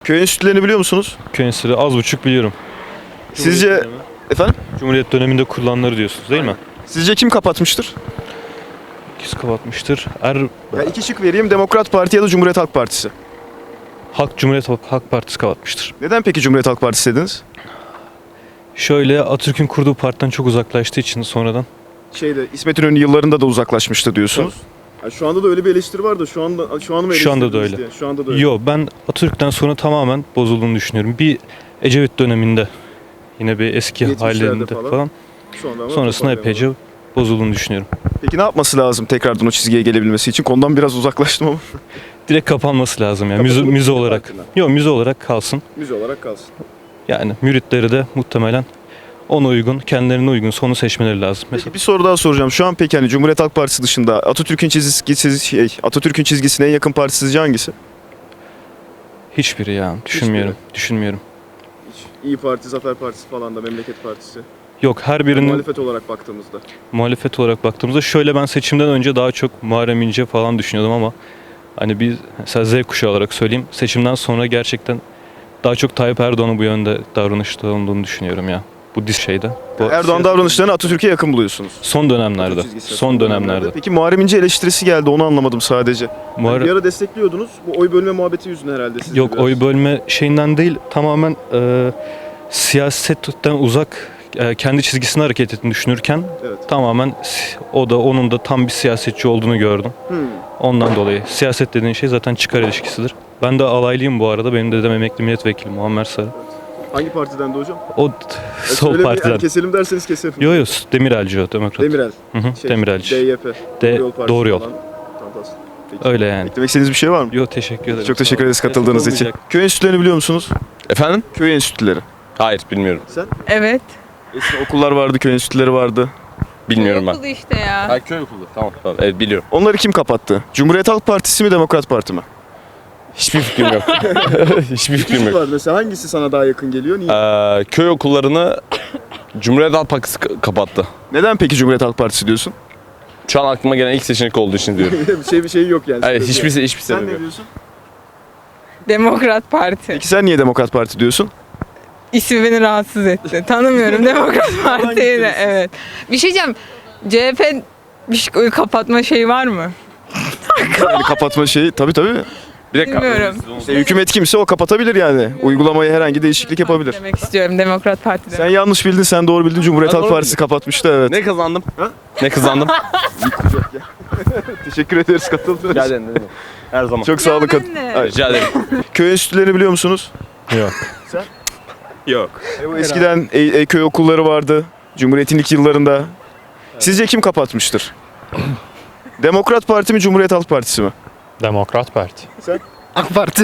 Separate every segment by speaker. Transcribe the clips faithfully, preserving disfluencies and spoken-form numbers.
Speaker 1: Köy enstitülerini biliyor musunuz?
Speaker 2: Köy enstitüleri az buçuk biliyorum.
Speaker 1: Sizce efendim?
Speaker 2: Cumhuriyet döneminde kurulanları diyorsunuz değil mi?
Speaker 1: Sizce kim kapatmıştır?
Speaker 2: Kim kapatmıştır? Er
Speaker 1: Ya iki şık vereyim. Demokrat Parti ya da Cumhuriyet Halk Partisi.
Speaker 2: Halk Cumhuriyet Halk, Halk Partisi kapatmıştır.
Speaker 1: Neden peki Cumhuriyet Halk Partisi dediniz?
Speaker 2: Şöyle Atatürk'ün kurduğu partiden çok uzaklaştığı için sonradan.
Speaker 1: Şeyde İsmet İnönü yıllarında da uzaklaşmıştı diyorsunuz. Ya şu anda da öyle bir eleştiri var da şu anda şu an mı
Speaker 2: Şu anda da
Speaker 1: eleştirdiniz
Speaker 2: öyle.
Speaker 1: diye? Şu anda da öyle.
Speaker 2: Yo, ben Atatürk'ten sonra tamamen bozulduğunu düşünüyorum. Bir Ecevit döneminde yine bir eski
Speaker 1: yetmişlerde
Speaker 2: hallerinde
Speaker 1: falan.
Speaker 2: falan.
Speaker 1: Sonra ama
Speaker 2: Sonrasında
Speaker 1: toparlayamadı.
Speaker 2: epeyce bozulduğunu düşünüyorum.
Speaker 1: Peki ne yapması lazım tekrardan o çizgiye gelebilmesi için? Konudan biraz uzaklaştım ama.
Speaker 2: Direkt kapanması lazım yani müze,
Speaker 1: Kapatılıp
Speaker 2: müze
Speaker 1: müze
Speaker 2: olarak.
Speaker 1: partiden.
Speaker 2: Yok, müze olarak kalsın.
Speaker 1: Müze olarak kalsın.
Speaker 2: Yani müritleri de muhtemelen ona uygun, kendilerine uygun sonu seçmeleri lazım. Mesela
Speaker 1: Peki bir soru daha soracağım. Şu an peki hani Cumhuriyet Halk Partisi dışında Atatürk'ün çizgisi şey, Atatürk'ün çizgisine en yakın parti sizce hangisi?
Speaker 2: hiçbiri ya düşünmüyorum. Düşünmüyorum.
Speaker 1: İyi Parti, Zafer Partisi falan da Memleket Partisi.
Speaker 2: Yok, her birinin
Speaker 1: Muhalefet olarak baktığımızda.
Speaker 2: muhalefet olarak baktığımızda şöyle, ben seçimden önce daha çok Muharrem İnce falan düşünüyordum ama hani biz mesela Z kuşağı olarak söyleyeyim, seçimden sonra gerçekten daha çok Tayyip Erdoğan'ın bu yönde davranışta olduğunu düşünüyorum ya. Bu dis şeyde. Bu
Speaker 1: Erdoğan davranışlarını Atatürk'e yakın buluyorsunuz.
Speaker 2: son dönemlerde.
Speaker 1: Çizgisi,
Speaker 2: Son dönemlerde.
Speaker 1: Peki Muharrem İnce eleştirisi geldi, onu anlamadım sadece.
Speaker 2: Muharrem-
Speaker 1: Bir ara destekliyordunuz. Bu oy bölme muhabbeti yüzünden herhalde siz de
Speaker 2: Yok,
Speaker 1: biraz.
Speaker 2: oy bölme şeyinden değil, tamamen e, siyasetten uzak, e, kendi çizgisine hareket ettiğini düşünürken
Speaker 1: Evet.
Speaker 2: tamamen si- o da onun da tam bir siyasetçi olduğunu gördüm.
Speaker 1: Hmm.
Speaker 2: Ondan dolayı siyaset dediğin şey zaten çıkar ilişkisidir. Ben de alaylıyım bu arada. Benim dedem emekli milletvekili Muammer Sarı.
Speaker 1: Hangi partiden de hocam?
Speaker 2: O
Speaker 1: Ya
Speaker 2: sol
Speaker 1: şöyle bir-
Speaker 2: partiden.
Speaker 1: yani keselim derseniz keselim.
Speaker 2: Yo yo, Demirelci o, demokrat.
Speaker 1: Demirel.
Speaker 2: Hı hı,
Speaker 1: Şey,
Speaker 2: Demirelci.
Speaker 1: D Y P.
Speaker 2: De-
Speaker 1: Partisi
Speaker 2: Doğru Yol.
Speaker 1: falan. Fantastik. Peki.
Speaker 2: Öyle yani.
Speaker 1: Eklemek istediğiniz bir şey var mı?
Speaker 2: Yo, teşekkür ederim.
Speaker 1: Çok teşekkür
Speaker 2: Sağ olun.
Speaker 1: ederiz katıldığınız
Speaker 2: Destek
Speaker 1: için.
Speaker 2: olmayacak.
Speaker 1: Köy enstitülerini biliyor musunuz?
Speaker 3: Efendim?
Speaker 1: Köy enstitüleri.
Speaker 3: Hayır, bilmiyorum.
Speaker 1: Sen?
Speaker 4: Evet.
Speaker 1: Eskiden okullar vardı, köy enstitüleri vardı.
Speaker 3: Bilmiyorum ben.
Speaker 4: Okulu işte ya.
Speaker 3: Ha, köy okulu. Tamam, tamam. Evet, biliyorum.
Speaker 1: Onları kim kapattı? Cumhuriyet Halk Partisi mi, Demokrat Parti mi?
Speaker 3: Hiçbir fikrim yok. Hiçbir fikrim yok.
Speaker 1: var mesela, hangisi sana daha yakın geliyor? Niye?
Speaker 3: Ee, köy okullarını Cumhuriyet Halk Partisi ka- kapattı.
Speaker 1: Neden peki Cumhuriyet Halk Partisi diyorsun?
Speaker 3: Şu an aklıma gelen ilk seçenek olduğu için diyorum.
Speaker 1: bir şey bir şey yok yani.
Speaker 3: Hayır, hiçbir hiçbir
Speaker 1: Sen
Speaker 3: sebep
Speaker 1: ne
Speaker 3: yok.
Speaker 1: diyorsun?
Speaker 4: Demokrat Parti.
Speaker 1: Peki sen niye Demokrat Parti diyorsun?
Speaker 4: İsmi beni rahatsız etti. Tanımıyorum Demokrat Parti'yi de. Evet. Bir şey diyeceğim. C H P bir şey- kapatma şeyi var mı?
Speaker 1: Yani kapatma şeyi tabii tabii.
Speaker 3: Bir dakika.
Speaker 4: Bilmiyorum.
Speaker 1: İşte hükümet kimse o kapatabilir yani. Uygulamaya herhangi değişiklik yapabilir.
Speaker 4: Demek istiyorum Demokrat Parti
Speaker 1: Sen
Speaker 4: demek.
Speaker 1: yanlış bildin, sen doğru bildin. Cumhuriyet
Speaker 3: Ben
Speaker 1: Halk
Speaker 3: doğru
Speaker 1: Partisi kapatmıştı, evet.
Speaker 3: Ne kazandım?
Speaker 1: Ha?
Speaker 3: Ne kazandım?
Speaker 1: Teşekkür ederiz katıldığınız
Speaker 3: Rica
Speaker 1: için.
Speaker 3: ederim. Her zaman.
Speaker 1: Çok sağ olun.
Speaker 4: Ya
Speaker 1: kat-
Speaker 4: ben de.
Speaker 1: Hayır.
Speaker 3: Rica ederim.
Speaker 1: Köy enstitülerini biliyor musunuz?
Speaker 2: Yok.
Speaker 3: Yok.
Speaker 1: E, bu eskiden e, e, köy okulları vardı. Cumhuriyet'in ilk yıllarında. Sizce kim kapatmıştır? Demokrat Parti mi, Cumhuriyet Halk Partisi mi?
Speaker 2: Demokrat Parti.
Speaker 5: AK Parti.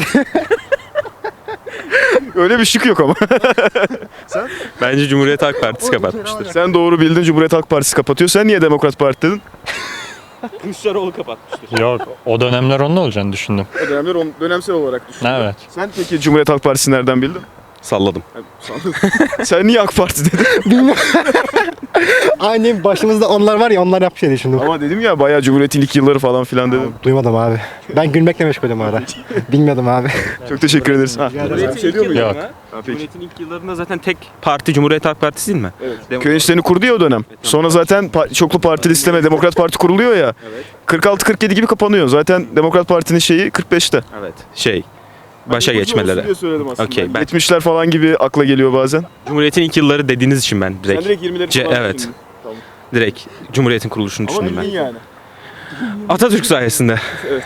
Speaker 1: Öyle bir şık yok ama.
Speaker 6: Bence Cumhuriyet Halk Partisi kapatmıştır.
Speaker 1: Sen doğru bildin, Cumhuriyet Halk Partisi kapatıyor. Sen niye Demokrat Parti dedin?
Speaker 6: Kılıçdaroğlu kapatmıştır.
Speaker 2: Yok, o dönemler onun olacağını düşündüm.
Speaker 1: O dönemler on, dönemsel olarak düşündüm.
Speaker 2: Evet.
Speaker 1: Sen peki Cumhuriyet Halk Partisi nereden bildin?
Speaker 3: Salladım.
Speaker 1: Sen niye AK Parti dedin?
Speaker 5: Aynı başımızda onlar var ya, onlar yapmış diye düşündüm.
Speaker 1: Ama dedim ya, bayağı Cumhuriyet'in ilk yılları falan filan dedim.
Speaker 5: Duymadım abi. Ben gülmekle meşgulüm ara. Bilmiyordum abi.
Speaker 1: Çok teşekkür ederiz. Ha.
Speaker 6: Cumhuriyet'in
Speaker 1: Şey
Speaker 6: ilk
Speaker 1: diyor muyum?
Speaker 2: Yok.
Speaker 6: yıllarına,
Speaker 1: Ha, peki.
Speaker 6: Cumhuriyet'in ilk yıllarında zaten tek parti Cumhuriyet Halk Partisi değil mi?
Speaker 1: Evet. Köy enstitülerini kurdu ya o dönem. Sonra zaten pa- çoklu partili sisteme Demokrat Parti kuruluyor ya. kırk altı kırk yedi gibi kapanıyor. Zaten Demokrat Parti'nin şeyi kırk beşte.
Speaker 6: Evet. Şey, başa geçmeleri. Okey, ben-
Speaker 1: yetmişler falan gibi akla geliyor bazen.
Speaker 6: Cumhuriyet'in ilk yılları dediğiniz için ben direkt,
Speaker 1: direkt yirmileri
Speaker 6: Ce-
Speaker 1: falan
Speaker 6: evet.
Speaker 1: düşündün. Tamam.
Speaker 6: direkt Cumhuriyet'in kuruluşunu
Speaker 1: Ama
Speaker 6: düşündüm
Speaker 1: bildin
Speaker 6: ben.
Speaker 1: yani.
Speaker 6: Atatürk sayesinde.
Speaker 1: Evet.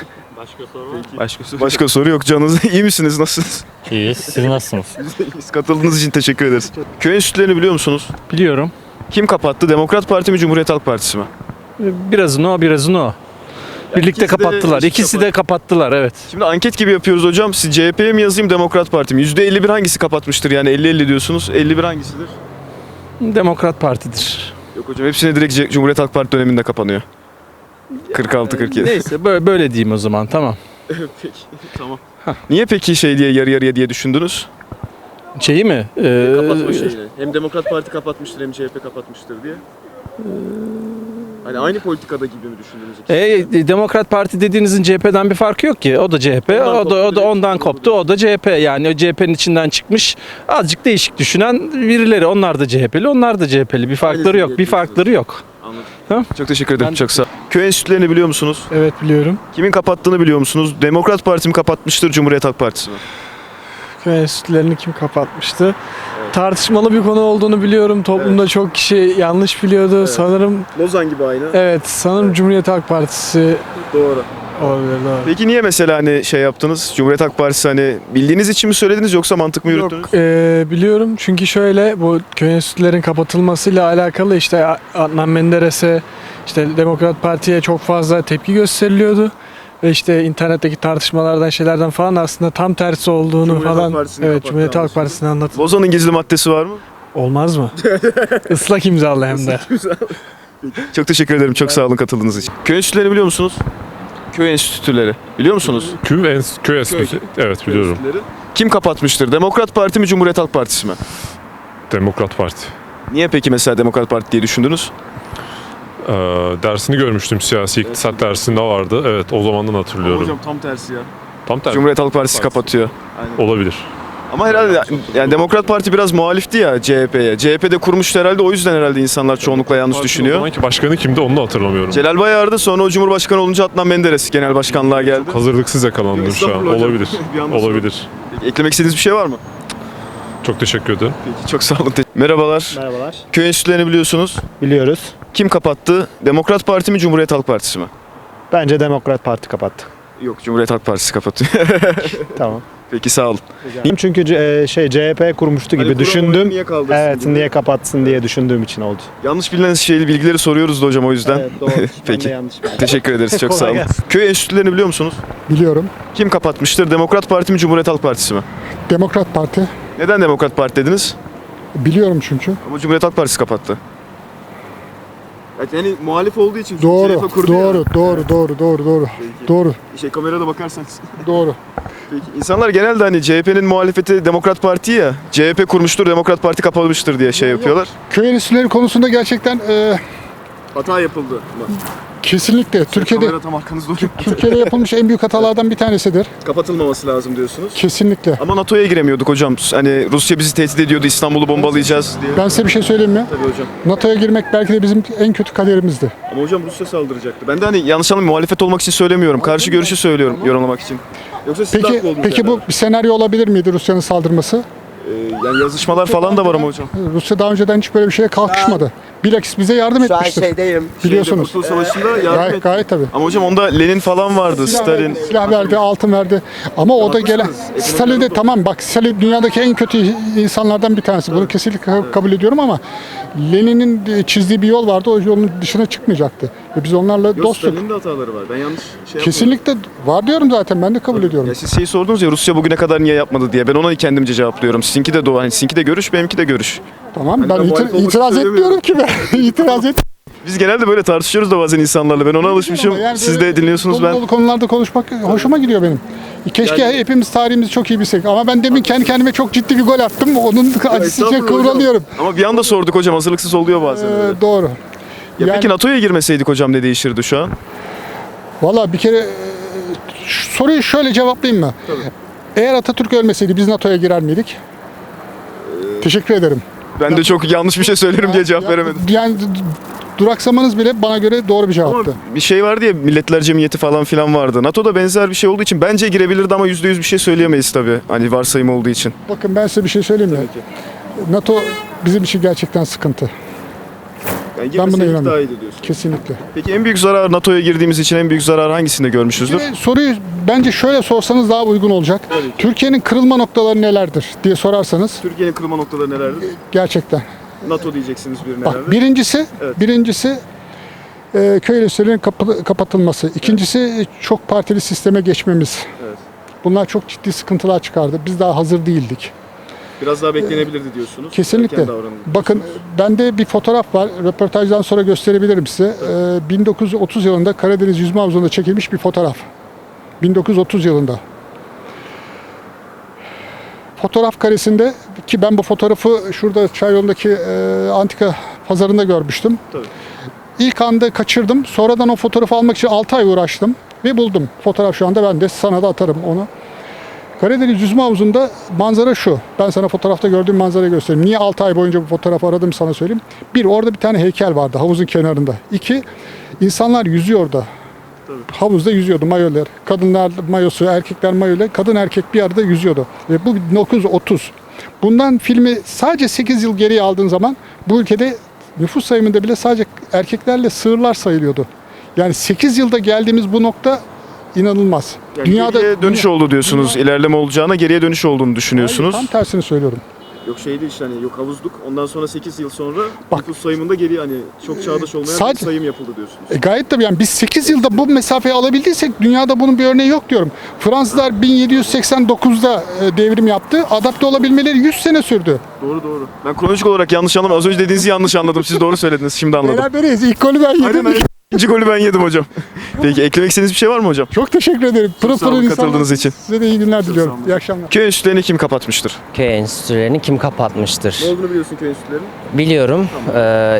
Speaker 6: Başka soru.
Speaker 1: Başka soru yok. Canınız iyi misiniz? Nasılsınız?
Speaker 2: İyiyiz. Siz nasılsınız?
Speaker 1: İyiyiz. Katıldığınız için teşekkür ederiz. Köy enstitülerini biliyor musunuz?
Speaker 2: Biliyorum.
Speaker 1: Kim kapattı? Demokrat Parti mi, Cumhuriyet Halk Partisi mi?
Speaker 2: Birazını o, birazını o. Birlikte
Speaker 1: ikisi de
Speaker 2: kapattılar.
Speaker 1: eşit
Speaker 2: İkisi
Speaker 1: kapat-
Speaker 2: de kapattılar, evet.
Speaker 1: Şimdi anket gibi yapıyoruz hocam. Siz C H P'ye mi yazayım, Demokrat Parti mi? yüzde elli bir hangisi kapatmıştır? Yani elli elli diyorsunuz. elli bir hangisidir?
Speaker 2: Demokrat Parti'dir.
Speaker 1: Yok hocam, hepsine direkt C- Cumhuriyet Halk Parti döneminde kapanıyor. kırk altı kırk yedi.
Speaker 2: Neyse, böyle, böyle diyeyim o zaman, tamam.
Speaker 1: Peki, tamam. Niye peki şey diye, yarı yarıya diye düşündünüz?
Speaker 2: Şeyi mi? Ee,
Speaker 1: Hem Demokrat Parti kapatmıştır hem C H P kapatmıştır diye. Hani aynı politikada gibi mi düşündünüz?
Speaker 7: E, Demokrat Parti dediğinizin C H P'den bir farkı yok ki. O da C H P,
Speaker 1: Ondan
Speaker 7: o da, o
Speaker 1: koptu
Speaker 7: da
Speaker 1: değil,
Speaker 7: ondan
Speaker 1: doğru
Speaker 7: koptu,
Speaker 1: değil.
Speaker 7: o da C H P. Yani o C H P'nin içinden çıkmış azıcık değişik düşünen birileri. Onlar da C H P'li, onlar da C H P'li. Bir farkları yok, bir farkları yok.
Speaker 1: Anladım. Çok teşekkür ederim. Çok sağ olun. Köy enstitülerini biliyor musunuz?
Speaker 5: Evet biliyorum.
Speaker 1: Kimin kapattığını biliyor musunuz? Demokrat Parti mi kapatmıştır, Cumhuriyet Halk Partisi mi?
Speaker 5: Köy enstitülerini kim kapatmıştı? Tartışmalı bir konu olduğunu biliyorum. Toplumda çok kişi yanlış biliyordu. Sanırım
Speaker 1: Lozan gibi aynı.
Speaker 5: evet sanırım Cumhuriyet Halk Partisi
Speaker 1: Doğru.
Speaker 5: olabilir. Doğru.
Speaker 1: Peki niye mesela hani şey yaptınız? Cumhuriyet Halk Partisi hani bildiğiniz için mi söylediniz yoksa mantık mı yürüttünüz?
Speaker 5: Yok e, biliyorum çünkü şöyle bu köy enstitülerin kapatılmasıyla alakalı işte Adnan Menderes'e işte Demokrat Parti'ye çok fazla tepki gösteriliyordu. Ve işte internetteki tartışmalardan şeylerden falan aslında tam tersi olduğunu
Speaker 1: Cumhuriyet Halk
Speaker 5: falan
Speaker 1: Partisi'ni
Speaker 5: evet
Speaker 1: kapattı
Speaker 5: Cumhuriyet Halk
Speaker 1: anlaşıldı.
Speaker 5: Partisi'ni anlat.
Speaker 1: Lozan'ın gizli maddesi var mı?
Speaker 5: Olmaz mı? Islak imzalı hem de.
Speaker 1: Çok teşekkür ederim. Çok sağ olun katıldığınız için. Köy enstitüleri biliyor musunuz? Köy enstitüleri. Biliyor musunuz?
Speaker 8: Köy, ens köy enstitüsü. Evet biliyorum.
Speaker 1: Enstitüleri. Kim kapatmıştır? Demokrat Parti mi, Cumhuriyet Halk Partisi mi?
Speaker 8: Demokrat Parti.
Speaker 1: Niye peki mesela Demokrat Parti diye düşündünüz?
Speaker 8: Ee, dersini görmüştüm, siyasi iktisat dersinde vardı. Evet, o zamandan hatırlıyorum.
Speaker 1: tam tersi ya.
Speaker 8: Tam tersi.
Speaker 1: Cumhuriyet Halk Partisi
Speaker 8: Partisi.
Speaker 1: kapatıyor.
Speaker 8: Olabilir.
Speaker 1: Ama herhalde yani Demokrat Parti biraz muhalifti ya C H P'ye. C H P'de kurmuştu herhalde, o yüzden herhalde insanlar çoğunlukla yanlış
Speaker 8: Partinin O
Speaker 1: düşünüyor.
Speaker 8: zamanki başkanı kimdi onu da hatırlamıyorum.
Speaker 1: Celal Bayar'dı, sonra o Cumhurbaşkanı olunca Adnan Menderes genel başkanlığa geldi.
Speaker 8: Hazırlıksız yakalandım şu an.
Speaker 1: Estağfurullah hocam.
Speaker 8: Olabilir.
Speaker 1: Bir anda
Speaker 8: Olabilir.
Speaker 1: Peki, eklemek istediğiniz bir şey var mı?
Speaker 8: Çok teşekkür ederim.
Speaker 1: Peki, çok sağ olun. Merhabalar.
Speaker 5: Merhabalar.
Speaker 1: Köy enstitülerini biliyorsunuz.
Speaker 5: Biliyoruz.
Speaker 1: Kim kapattı? Demokrat Parti mi, Cumhuriyet Halk Partisi mi?
Speaker 5: Bence Demokrat Parti kapattı.
Speaker 1: Yok, Cumhuriyet Halk Partisi kapatıyor.
Speaker 5: Tamam.
Speaker 1: Peki sağ olun.
Speaker 5: Çünkü C- şey C H P kurmuştu gibi
Speaker 1: Hani
Speaker 5: düşündüm.
Speaker 1: kuramadı, niye kaldırsın
Speaker 5: Evet
Speaker 1: gibi.
Speaker 5: niye kapatsın diye düşündüğüm için oldu.
Speaker 1: Yanlış bilinen şeyli bilgileri soruyoruz da hocam, o yüzden.
Speaker 5: Evet doğru.
Speaker 1: Peki.
Speaker 5: yanlış.
Speaker 1: Teşekkür ederiz. Çok
Speaker 5: Kolay
Speaker 1: sağ olun.
Speaker 5: gelsin.
Speaker 1: Köy enstitülerini biliyor musunuz?
Speaker 9: Biliyorum.
Speaker 1: Kim kapatmıştır? Demokrat Parti mi, Cumhuriyet Halk Partisi mi?
Speaker 9: Demokrat Parti.
Speaker 1: Neden Demokrat Parti dediniz?
Speaker 9: Biliyorum çünkü.
Speaker 1: Ama Cumhuriyet Halk Partisi kapattı. Yani muhalif olduğu için
Speaker 9: Doğru, doğru, doğru, doğru, doğru, doğru. Doğru,
Speaker 1: Şey, kamerada bakarsanız.
Speaker 9: doğru.
Speaker 1: Peki. İnsanlar genelde hani C H P'nin muhalefeti Demokrat Parti ya, C H P kurmuştur, Demokrat Parti kapanmıştır diye şey yapıyorlar.
Speaker 9: Köy enstitüleri konusunda gerçekten e,
Speaker 1: Hata yapıldı.
Speaker 9: kesinlikle Türkiye'de
Speaker 1: tam arkanızda
Speaker 9: Türkiye'de yapılmış en büyük hatalardan bir tanesidir.
Speaker 1: kapatılmaması lazım diyorsunuz.
Speaker 9: Kesinlikle.
Speaker 1: Ama NATO'ya giremiyorduk hocam. Hani Rusya bizi tehdit ediyordu, İstanbul'u bombalayacağız diye.
Speaker 9: Ben size bir şey söyleyeyim mi?
Speaker 1: Tabii hocam.
Speaker 9: NATO'ya girmek belki de bizim en kötü kaderimizdi.
Speaker 1: Ama hocam Rusya saldıracaktı. Ben de hani yanlış anlamayın, muhalefet olmak için söylemiyorum. Karşı görüşü söylüyorum yorumlamak için. Yoksa siz de
Speaker 9: Peki
Speaker 1: haklı oldunuz
Speaker 9: peki bu
Speaker 1: herhalde.
Speaker 9: bir senaryo olabilir miydi Rusya'nın saldırması?
Speaker 1: Ee, yani yazışmalar falan da var ama hocam.
Speaker 9: Rusya daha önceden hiç böyle bir şeye kalkışmadı. Bilakis bize yardım etmiştir.
Speaker 10: şeydeyim.
Speaker 9: Biliyorsunuz.
Speaker 1: Kurtuluş Savaşı'nda yardım
Speaker 9: Gayet,
Speaker 1: etti.
Speaker 9: gayet tabii.
Speaker 1: Ama hocam onda Lenin falan vardı,
Speaker 9: Silah
Speaker 1: Stalin.
Speaker 9: verdi, silah verdi, altın verdi. Ama o da gelen Stalin de tamam bak Stalin dünyadaki en kötü insanlardan bir tanesi. Bunu kesinlikle ka- kabul ediyorum ama Lenin'in çizdiği bir yol vardı. O yolun dışına çıkmayacaktı. Ve biz onlarla
Speaker 1: Yok,
Speaker 9: dostluk.
Speaker 1: Stalin'in de hataları var. Ben yanlış şey yapmadım.
Speaker 9: Kesinlikle var diyorum zaten. Ben de kabul ediyorum.
Speaker 1: Ya siz şeyi sordunuz ya, Rusya bugüne kadar niye yapmadı diye. Ben ona kendimce cevaplıyorum. Sizinki de doğru. Hani sizinki de görüş, benimki de görüş.
Speaker 9: Tamam.
Speaker 1: ben
Speaker 9: Ben
Speaker 1: muhalif
Speaker 9: iti-
Speaker 1: olmak
Speaker 9: itiraz
Speaker 1: istemiyorum.
Speaker 9: etmiyorum ki ben. itiraz et.
Speaker 1: Biz genelde böyle tartışıyoruz da bazen insanlarla. Ben ona alışmışım.
Speaker 9: Ama yani
Speaker 1: Siz
Speaker 9: böyle
Speaker 1: de dinliyorsunuz,
Speaker 9: dolu
Speaker 1: ben.
Speaker 9: dolu konularda konuşmak hoşuma gidiyor benim. Keşke
Speaker 1: Yani-
Speaker 9: hepimiz tarihimizi çok iyi bilsek. Ama ben demin kendi kendime çok ciddi bir gol attım. Onun acısı için
Speaker 1: Estağfurullah hocam.
Speaker 9: kıvranıyorum.
Speaker 1: Ama bir anda sorduk hocam, hazırlıksız oluyor bazen. öyle.
Speaker 9: Ee, doğru.
Speaker 1: Ya
Speaker 9: yani-
Speaker 1: peki NATO'ya girmeseydik hocam ne değişirdi şu an?
Speaker 9: Valla bir kere e, şu soruyu şöyle cevaplayayım mı? Eğer Atatürk ölmeseydi biz NATO'ya girer miydik? Teşekkür ederim.
Speaker 1: Ben de çok yanlış bir şey söylerim diye cevap
Speaker 9: Ya-
Speaker 1: veremedim.
Speaker 9: Yani d- d- duraksamanız bile bana göre doğru bir
Speaker 1: Ama
Speaker 9: cevaptı.
Speaker 1: bir şey vardı ya, Milletler Cemiyeti falan filan vardı. NATO'da benzer bir şey olduğu için bence girebilirdi ama yüzde yüz bir şey söyleyemeyiz tabii. Hani varsayım olduğu için.
Speaker 9: Bakın ben size bir şey söyleyeyim mi? NATO bizim için gerçekten sıkıntı.
Speaker 1: Yani
Speaker 9: Ben buna inanıyorum.
Speaker 1: daha iyiydi diyorsun.
Speaker 9: Kesinlikle.
Speaker 1: Peki en büyük zarar, NATO'ya girdiğimiz için en büyük zarar hangisinde görmüşüzdür?
Speaker 9: Bir soruyu bence şöyle sorsanız daha uygun olacak. Türkiye'nin kırılma noktaları nelerdir diye sorarsanız
Speaker 1: Türkiye'nin kırılma noktaları nelerdir?
Speaker 9: gerçekten.
Speaker 1: NATO diyeceksiniz birine
Speaker 9: Bak birincisi,
Speaker 1: Evet.
Speaker 9: birincisi e, köy enstitülerinin kapı- kapatılması. İkincisi çok partili sisteme geçmemiz.
Speaker 1: Evet.
Speaker 9: Bunlar çok ciddi sıkıntılar çıkardı. Biz daha hazır değildik.
Speaker 1: Biraz daha beklenebilirdi diyorsunuz.
Speaker 9: Kesinlikle.
Speaker 1: Erken davranıldı
Speaker 9: Bakın
Speaker 1: diyorsunuz.
Speaker 9: bende bir fotoğraf var. Röportajdan sonra gösterebilirim size. Ee, bin dokuz yüz otuz yılında Karadeniz Yüzme Havuzu'nda çekilmiş bir fotoğraf. bin dokuz yüz otuz yılında. Fotoğraf karesinde ki ben bu fotoğrafı şurada Çayyolu'ndaki e, antika pazarında görmüştüm.
Speaker 1: Tabii.
Speaker 9: İlk anda kaçırdım. Sonradan o fotoğrafı almak için altı ay uğraştım ve buldum. Fotoğraf şu anda bende. Sana da atarım onu. Karadeniz Yüzme Havuzu'nda manzara şu. Ben sana fotoğrafta gördüğüm manzarayı göstereyim. Niye altı ay boyunca bu fotoğrafı aradım sana söyleyeyim. Bir, orada bir tane heykel vardı havuzun kenarında. İki, insanlar yüzüyor orada. Havuzda yüzüyordu mayolar. Kadınlar mayosu, erkekler mayoyla, kadın erkek bir arada yüzüyordu. Ve bu bin dokuz yüz otuz. Bundan filmi sadece sekiz yıl geriye aldığın zaman bu ülkede nüfus sayımında bile sadece erkeklerle sığırlar sayılıyordu. Yani sekiz yılda geldiğimiz bu nokta inanılmaz.
Speaker 1: Yani geriye dönüş oldu diyorsunuz. İlerleme olacağına geriye dönüş olduğunu düşünüyorsunuz.
Speaker 9: Hayır, tam tersini söylüyorum.
Speaker 1: Yok şey değil işte hani yok havuzluk. Ondan sonra sekiz yıl sonra
Speaker 9: Bak-
Speaker 1: nüfus sayımında geri hani çok çağdaş olmayan bir
Speaker 9: Sadece-
Speaker 1: sayım yapıldı diyorsunuz.
Speaker 9: E gayet tabii yani biz sekiz yılda bu mesafeyi alabildiysek dünyada bunun bir örneği yok diyorum. Fransızlar bin yedi yüz seksen dokuzda e, devrim yaptı. Adapte olabilmeleri yüz sene sürdü.
Speaker 1: Doğru doğru. Ben kronolojik olarak yanlış anlamadım. Az önce dediğinizi yanlış anladım. Siz doğru söylediniz. Şimdi anladım.
Speaker 9: Beraberiz. İlk golü ben yedim.
Speaker 1: Aynen aynen. İkinci golü ben yedim hocam. Peki eklemek istediğiniz bir şey var mı hocam?
Speaker 9: Çok teşekkür ederim. Pırıl
Speaker 1: sağ olun
Speaker 9: pırıl
Speaker 1: katıldığınız
Speaker 9: insanlar.
Speaker 1: için.
Speaker 9: Size de iyi günler diliyorum.
Speaker 1: sağ olun.
Speaker 9: İyi akşamlar.
Speaker 1: Köy enstitülerini kim kapatmıştır?
Speaker 10: Köy enstitülerini kim kapatmıştır?
Speaker 1: Ne olduğunu biliyorsun köy enstitülerinin?
Speaker 10: Biliyorum. Ee,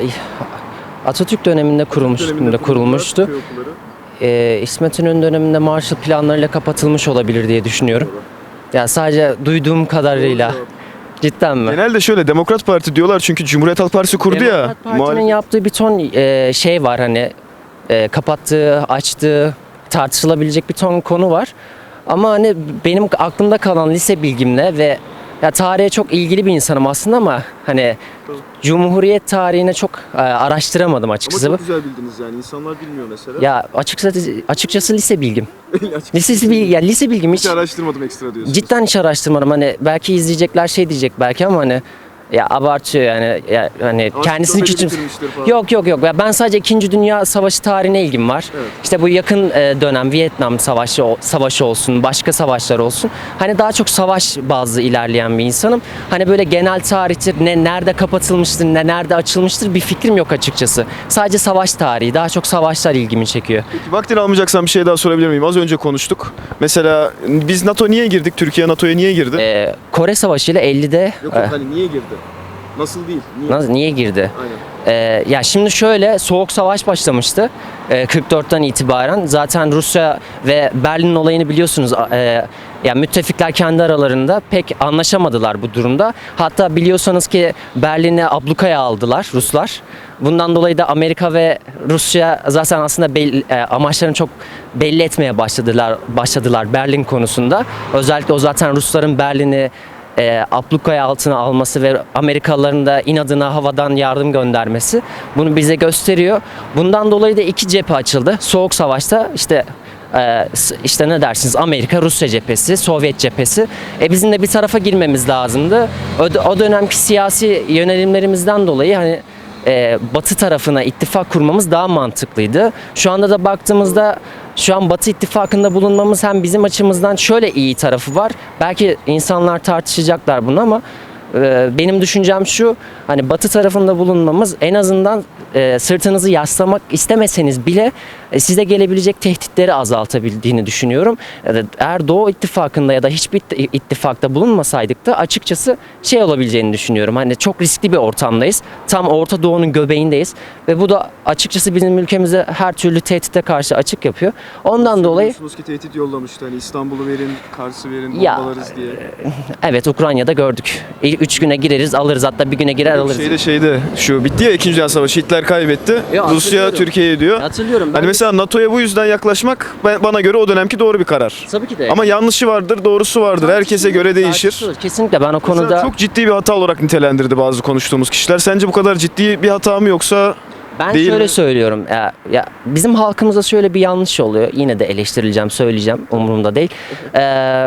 Speaker 10: Atatürk döneminde kurulmuş,
Speaker 1: Döneminde
Speaker 10: kurulmuştu.
Speaker 1: köy okulları.
Speaker 10: Ee, İsmet İnönü döneminde Marshall planlarıyla kapatılmış olabilir diye düşünüyorum. Yani sadece duyduğum kadarıyla. Cidden mi?
Speaker 1: Genelde şöyle Demokrat Parti diyorlar çünkü Cumhuriyet Halk Partisi kurdu ya.
Speaker 10: Demokrat Parti'nin
Speaker 1: muhalefet-
Speaker 10: yaptığı bir ton e, şey var hani e, kapattığı, açtığı, tartışılabilecek bir ton konu var. Ama hani benim aklımda kalan lise bilgimle ve ya tarihe çok ilgili bir insanım aslında ama hani Cumhuriyet tarihine çok e, araştıramadım
Speaker 1: Ama
Speaker 10: açıkçası.
Speaker 1: çok güzel bildiniz yani. İnsanlar bilmiyor mesela.
Speaker 10: Ya açıkçası açıkçası lise bilgim.
Speaker 1: Açıkçası
Speaker 10: Lise bilgi, ya lise bilgim
Speaker 1: hiç
Speaker 10: hiç
Speaker 1: araştırmadım ekstra diyorsunuz.
Speaker 10: cidden hiç araştırmadım. Hani belki izleyecekler şey diyecek belki ama hani ya abartıyor yani ya, hani kendisini
Speaker 1: Ansiklopedi
Speaker 10: küçüm.
Speaker 1: bitirmiştir falan.
Speaker 10: Yok yok yok. Ya ben sadece İkinci Dünya Savaşı tarihine ilgim var.
Speaker 1: Evet.
Speaker 10: İşte bu yakın e, dönem Vietnam Savaşı o- savaşı olsun, başka savaşlar olsun. Hani daha çok savaş bazlı ilerleyen bir insanım. Hani böyle genel tarihtir, ne nerede kapatılmıştır, ne nerede açılmıştır bir fikrim yok açıkçası. Sadece savaş tarihi, daha çok savaşlar ilgimi çekiyor.
Speaker 1: Peki vaktini almayacaksan bir şey daha sorabilir miyim? Az önce konuştuk. Mesela biz NATO niye girdik? Türkiye NATO'ya niye girdi?
Speaker 10: E, Kore Savaşı ile ellide
Speaker 1: Yok
Speaker 10: e,
Speaker 1: yok hani niye girdi? Nasıl değil? Niye?
Speaker 10: nasıl, niye girdi?
Speaker 1: Aynen.
Speaker 10: Ee, ya şimdi şöyle Soğuk Savaş başlamıştı ee, kırk dörtten itibaren. Zaten Rusya ve Berlin olayını biliyorsunuz. Ee, ya müttefikler kendi aralarında pek anlaşamadılar bu durumda. Hatta biliyorsanız ki Berlin'i ablukaya aldılar Ruslar. Bundan dolayı da Amerika ve Rusya zaten aslında belli, e, amaçlarını çok belli etmeye başladılar başladılar Berlin konusunda. Özellikle o zaten Rusların Berlin'i e, ablukaya altına alması ve Amerikalıların da inadına havadan yardım göndermesi bunu bize gösteriyor. Bundan dolayı da iki cephe açıldı. Soğuk Savaş'ta işte e, s- işte ne dersiniz Amerika Rusya cephesi, Sovyet cephesi. E bizim de bir tarafa girmemiz lazımdı. O, o dönemki siyasi yönelimlerimizden dolayı hani e, Batı tarafına ittifak kurmamız daha mantıklıydı. Şu anda da baktığımızda şu an Batı ittifakında bulunmamız hem bizim açımızdan şöyle iyi tarafı var. Belki insanlar tartışacaklar bunu ama e, benim düşüncem şu. Hani Batı tarafında bulunmamız en azından e, sırtınızı yaslamak istemeseniz bile e, size gelebilecek tehditleri azaltabildiğini düşünüyorum. E, Eğer Doğu ittifakında ya da hiçbir it- ittifakta bulunmasaydık da açıkçası şey olabileceğini düşünüyorum. Hani çok riskli bir ortamdayız. Tam Orta Doğu'nun göbeğindeyiz ve bu da açıkçası bizim ülkemize her türlü tehdite karşı açık yapıyor. Ondan dolayı
Speaker 1: Biliyorsunuz ki tehdit yollamıştı hani İstanbul'u verin, Kars'ı verin,
Speaker 10: Ya,
Speaker 1: bombalarız diye.
Speaker 10: evet Ukrayna'da gördük. İ- Üç güne gireriz alırız hatta bir güne girer alırız.
Speaker 1: Şeyde şeyde şu bitti ya İkinci Dünya Savaşı Hitler kaybetti.
Speaker 10: Ya,
Speaker 1: Rusya
Speaker 10: hatırlıyorum.
Speaker 1: Türkiye'ye diyor.
Speaker 10: Hatırlıyorum. Ben
Speaker 1: Hani mesela NATO'ya bu yüzden yaklaşmak ben- bana göre o dönemki doğru bir karar.
Speaker 10: tabii ki de.
Speaker 1: Ama yanlışı vardır, doğrusu vardır. Herkese göre değişir.
Speaker 10: Tartışılır. Kesinlikle ben o
Speaker 1: Mesela
Speaker 10: konuda
Speaker 1: çok ciddi bir hata olarak nitelendirdi bazı konuştuğumuz kişiler. Sence bu kadar ciddi bir hata mı yoksa
Speaker 10: ben
Speaker 1: değil
Speaker 10: şöyle
Speaker 1: mi?
Speaker 10: söylüyorum. Ya, ya bizim halkımızda şöyle bir yanlış oluyor. Yine de eleştirileceğim, söyleyeceğim. Umurumda değil. Ee,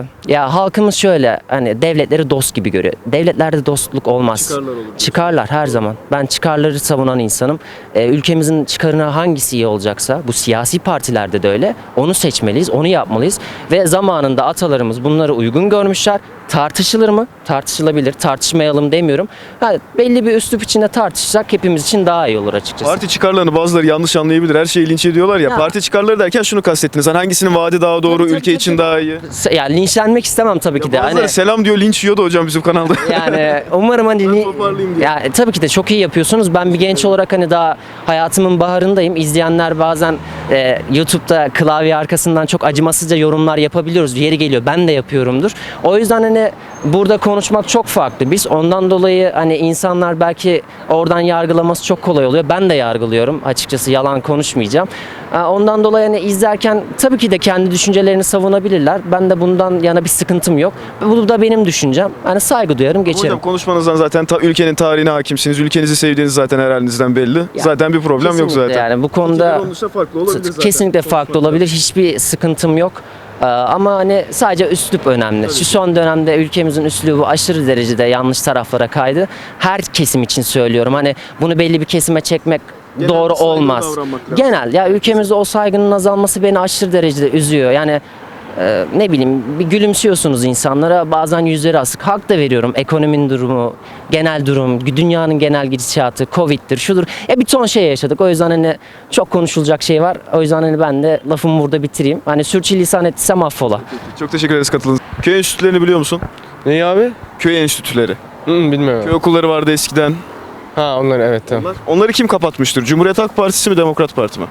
Speaker 10: ya halkımız şöyle hani devletleri dost gibi görüyor. Devletlerde dostluk olmaz.
Speaker 1: Çıkarlar olur.
Speaker 10: Çıkarlar her zaman. Ben çıkarları savunan insanım. Ee, ülkemizin çıkarına hangisi iyi olacaksa bu siyasi partilerde de öyle. Onu seçmeliyiz, onu yapmalıyız ve zamanında atalarımız bunları uygun görmüşler. tartışılır mı? Tartışılabilir. Tartışmayalım demiyorum. Ha, belli bir üslup içinde tartışsak hepimiz için daha iyi olur açıkçası.
Speaker 1: Parti çıkarlarını bazıları yanlış anlayabilir. Her şeyi linç ediyorlar ya.
Speaker 10: Ya.
Speaker 1: Parti çıkarları derken şunu kastettiniz. Hani hangisinin vaadi daha doğru,
Speaker 10: Tabii, tabii,
Speaker 1: ülke için
Speaker 10: tabii.
Speaker 1: daha iyi.
Speaker 10: Yani linçlenmek istemem tabii ki de.
Speaker 1: Ya bazıları
Speaker 10: Hani,
Speaker 1: selam diyor, linç yiyordu hocam bizim kanalda.
Speaker 10: yani umarım hani
Speaker 1: Ben toparlayayım diye.
Speaker 10: ya tabii ki de çok iyi yapıyorsunuz. Ben bir genç olarak hani daha hayatımın baharındayım. İzleyenler bazen e, YouTube'da klavye arkasından çok acımasızca yorumlar yapabiliyoruz. Yeri geliyor. Ben de yapıyorumdur. O yüzden hani burada konuşmak çok farklı. Biz ondan dolayı hani insanlar belki oradan yargılaması çok kolay oluyor. Ben de yargılıyorum. Açıkçası yalan konuşmayacağım. Ha, Ondan dolayı hani izlerken tabii ki de kendi düşüncelerini savunabilirler. Ben de bundan yana bir sıkıntım yok. Bu da benim düşüncem. Hani saygı duyarım, geçerim.
Speaker 1: Hocam konuşmanızdan zaten ta- ülkenin tarihine hakimsiniz. Ülkenizi sevdiğiniz zaten her halinizden belli. zaten bir problem yok
Speaker 10: Kesinlikle
Speaker 1: zaten.
Speaker 10: Yani bu konuda
Speaker 1: farklı olabilir
Speaker 10: kesinlikle farklı olabilir. Hiçbir sıkıntım yok. Ee, Ama hani sadece üslup önemli. Şu son dönemde ülkemizin üslubu aşırı derecede yanlış taraflara kaydı. Her kesim için söylüyorum. Hani bunu belli bir kesime çekmek
Speaker 1: Genel
Speaker 10: doğru
Speaker 1: bir saygılı
Speaker 10: olmaz.
Speaker 1: davranmak lazım.
Speaker 10: Genel ya ülkemizde o saygının azalması beni aşırı derecede üzüyor. Yani e, ne bileyim bir gülümsüyorsunuz insanlara, bazen yüzleri asık. Hak da veriyorum. Ekonominin durumu, genel durum, dünyanın genel gidişatı, Covid'dir, şudur. Ya bir ton şey yaşadık. O yüzden hani çok konuşulacak şey var. O yüzden hani ben de lafımı burada bitireyim. Hani sürçülisan ettiysem affola.
Speaker 1: Çok teşekkür ederiz katıldığınız. Köy enstitülerini biliyor musun?
Speaker 3: Neyi abi?
Speaker 1: Köy enstitüleri.
Speaker 3: Hı, bilmiyorum.
Speaker 1: Köy okulları vardı eskiden.
Speaker 3: Ha onlar evet tamam.
Speaker 1: Onlar, onları kim kapatmıştır? Cumhuriyet Halk Partisi mi, Demokrat Parti mi?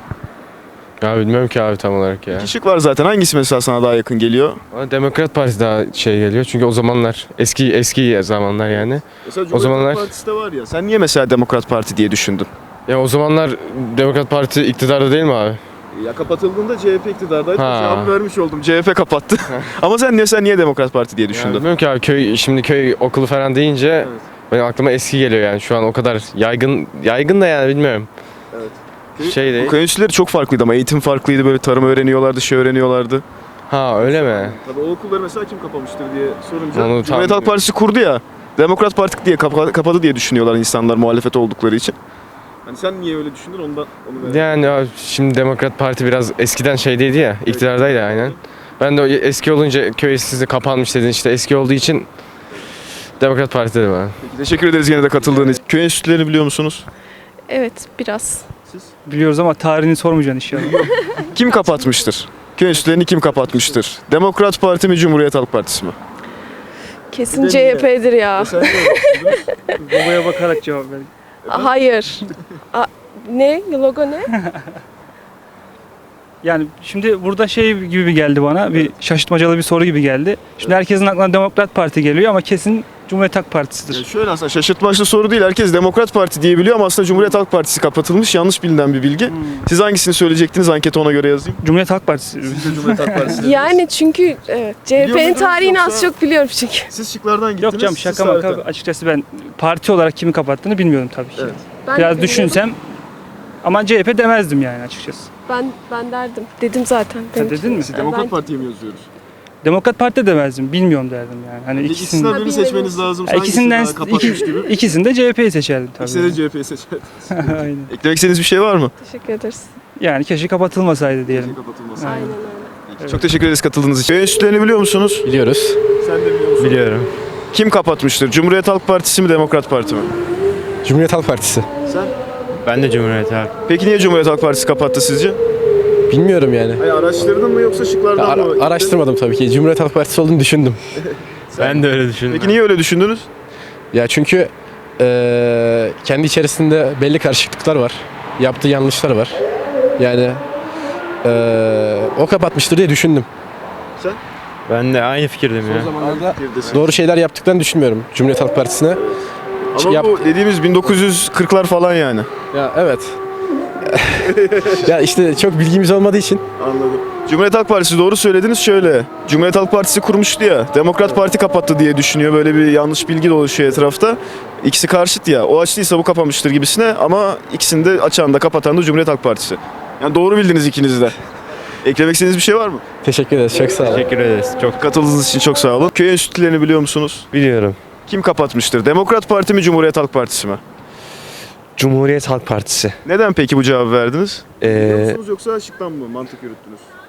Speaker 3: Ya bilmiyorum ki abi tam olarak ya.
Speaker 1: İki şık var zaten. Hangisi mesela sana daha yakın geliyor?
Speaker 3: Bana Demokrat Parti daha şey geliyor çünkü o zamanlar eski eski zamanlar yani.
Speaker 1: Mesela
Speaker 3: O zamanlar-
Speaker 1: Partisi de var ya. Sen niye mesela Demokrat Parti diye düşündün?
Speaker 3: Ya o zamanlar Demokrat Parti iktidarda değil mi abi?
Speaker 1: Ya kapatıldığında C H P iktidardaydı.
Speaker 3: Ha.
Speaker 1: Cevap vermiş oldum. C H P kapattı. Ama sen niye sen niye Demokrat Parti diye
Speaker 3: Ya
Speaker 1: düşündün?
Speaker 3: bilmiyorum ki abi köy şimdi köy okulu falan deyince benim aklıma eski geliyor yani şu an o kadar yaygın yaygın da yani bilmiyorum.
Speaker 1: Evet.
Speaker 3: Şey
Speaker 1: Bu
Speaker 3: değil.
Speaker 1: köy enstitüleri çok farklıydı ama eğitim farklıydı. Böyle tarım öğreniyorlardı, şey öğreniyorlardı.
Speaker 3: Ha öyle mi?
Speaker 1: Tabii o okulları mesela kim kapamıştır diye sorunca
Speaker 3: Onu tam
Speaker 1: Cumhuriyet Halk Partisi kurdu ya. Demokrat Parti diye kapa- kapadı diye düşünüyorlar insanlar muhalefet oldukları için. Hani sen niye öyle düşündün ondan onu merak
Speaker 3: Yani abi, şimdi Demokrat Parti biraz eskiden şeydeydi ya, iktidardaydı aynen. Ben de o eski olunca köy sizi kapanmış dedin işte eski olduğu için Demokrat Parti dedim abi.
Speaker 1: Peki, teşekkür ederiz yine de katıldığınız için. Köy enstitülerini biliyor musunuz?
Speaker 11: Evet, biraz.
Speaker 12: Biliyoruz ama tarihini sormayacaksın inşallah.
Speaker 1: Kim kapatmıştır? Köy enstitülerini kim kapatmıştır? Demokrat Parti mi, Cumhuriyet Halk Partisi mi?
Speaker 11: Kesin C H P'dir ya.
Speaker 12: Babaya bakarak cevap ver.
Speaker 11: Hayır. A- ne? Logo ne?
Speaker 12: Yani şimdi burada şey gibi geldi bana, bir şaşırtmacalı bir soru gibi geldi. Şimdi herkesin aklına Demokrat Parti geliyor ama kesin Cumhuriyet Halk Partisi'dir.
Speaker 1: Ya şöyle aslında şaşırtmaçlı soru değil. Herkes Demokrat Parti diye biliyor ama aslında Cumhuriyet Halk Partisi kapatılmış. Yanlış bilinen bir bilgi. Siz hangisini söyleyecektiniz? Anketi ona göre yazayım.
Speaker 12: Cumhuriyet Halk Partisi.
Speaker 1: Cumhuriyet Halk Partisi.
Speaker 11: Yani çünkü evet, C H
Speaker 1: Biliyor
Speaker 11: P'nin
Speaker 1: muydunuz
Speaker 11: tarihini az
Speaker 1: yoksa-
Speaker 11: çok biliyorum çünkü.
Speaker 1: Siz şıklardan gittiniz.
Speaker 12: Yok canım
Speaker 1: siz
Speaker 12: şaka maka.
Speaker 1: zaten.
Speaker 12: Açıkçası ben parti olarak kimi kapattığını bilmiyorum tabii ki.
Speaker 1: Evet.
Speaker 11: Ben de
Speaker 12: Biraz
Speaker 11: bilmiyorum.
Speaker 12: düşünsem ama C H P demezdim yani açıkçası.
Speaker 11: Ben ben derdim. Dedim zaten.
Speaker 12: Ha, dedin mi?
Speaker 1: Siz Demokrat
Speaker 11: Ben-
Speaker 1: Parti'ye mi yazıyoruz?
Speaker 12: Demokrat Parti de demezdim. Bilmiyorum derdim yani. Hani
Speaker 1: İkisinden
Speaker 12: ikisinden,
Speaker 1: birini
Speaker 11: bilmiyorum.
Speaker 1: seçmeniz lazım.
Speaker 12: Ya ikisinden
Speaker 1: Hangisi daha kapatmış
Speaker 12: iki,
Speaker 1: gibi.
Speaker 12: ikisinde C H P'yi seçerdim tabii.
Speaker 1: İkisinde de C H P'yi seçer.
Speaker 12: Aynen.
Speaker 1: Eklemek istediğiniz bir şey var mı?
Speaker 11: Teşekkür ederiz.
Speaker 12: Yani keşke kapatılmasaydı diyelim.
Speaker 1: Kapatılmasın.
Speaker 11: Aynen öyle.
Speaker 1: Peki, çok teşekkür ederiz katıldığınız için. Köy enstitülerini biliyor musunuz?
Speaker 6: Biliyoruz.
Speaker 1: Sen de biliyor musun?
Speaker 6: Biliyorum.
Speaker 1: Kim kapatmıştır? Cumhuriyet Halk Partisi mi, Demokrat Parti mi?
Speaker 6: Cumhuriyet Halk Partisi.
Speaker 1: Sen?
Speaker 6: Ben de Cumhuriyet Halk.
Speaker 1: Peki niye Cumhuriyet Halk Partisi kapattı sizce?
Speaker 6: Bilmiyorum yani.
Speaker 1: Hayır, araştırdın mı yoksa şıklardan
Speaker 6: Ara-
Speaker 1: mı?
Speaker 6: araştırmadım tabii ki. Cumhuriyet Halk Partisi olduğunu düşündüm. Ben de öyle düşündüm.
Speaker 1: Peki niye öyle düşündünüz?
Speaker 6: Ya çünkü eee, kendi içerisinde belli karışıklıklar var. Yaptığı yanlışlar var. Yani eee, o kapatmıştır diye düşündüm.
Speaker 13: Ben de aynı fikirdim ya.
Speaker 6: Zamanlarda doğru şeyler yaptıklarını düşünmüyorum Cumhuriyet Halk Partisi'ne.
Speaker 1: Ama
Speaker 6: Yap-
Speaker 1: bu dediğimiz bin dokuz yüz kırklar falan yani.
Speaker 6: Ya evet. Ya işte çok bilgimiz olmadığı için.
Speaker 1: Anladım. Cumhuriyet Halk Partisi doğru söylediniz şöyle. Cumhuriyet Halk Partisi kurmuştu ya. Demokrat Parti kapattı diye düşünüyor. Böyle bir yanlış bilgi dolaşıyor etrafta. İkisi karşıt ya. O açtıysa bu kapamıştır gibisine ama ikisini de açan da kapatan da Cumhuriyet Halk Partisi. Yani doğru bildiniz ikiniz de. Eklemek istediğiniz bir şey var mı?
Speaker 6: Teşekkür ederiz. Çok sağ olun.
Speaker 13: Teşekkür ederiz. Çok
Speaker 1: Katıldığınız için çok sağ olun. Köy enstitülerini biliyor musunuz?
Speaker 13: biliyorum.
Speaker 1: Kim kapatmıştır? Demokrat Parti mi, Cumhuriyet Halk Partisi mi?
Speaker 13: Cumhuriyet Halk Partisi.
Speaker 1: Neden peki bu cevabı verdiniz?
Speaker 13: Ee,
Speaker 1: Biliyor musunuz yoksa şıktan mı mantık yürüttünüz?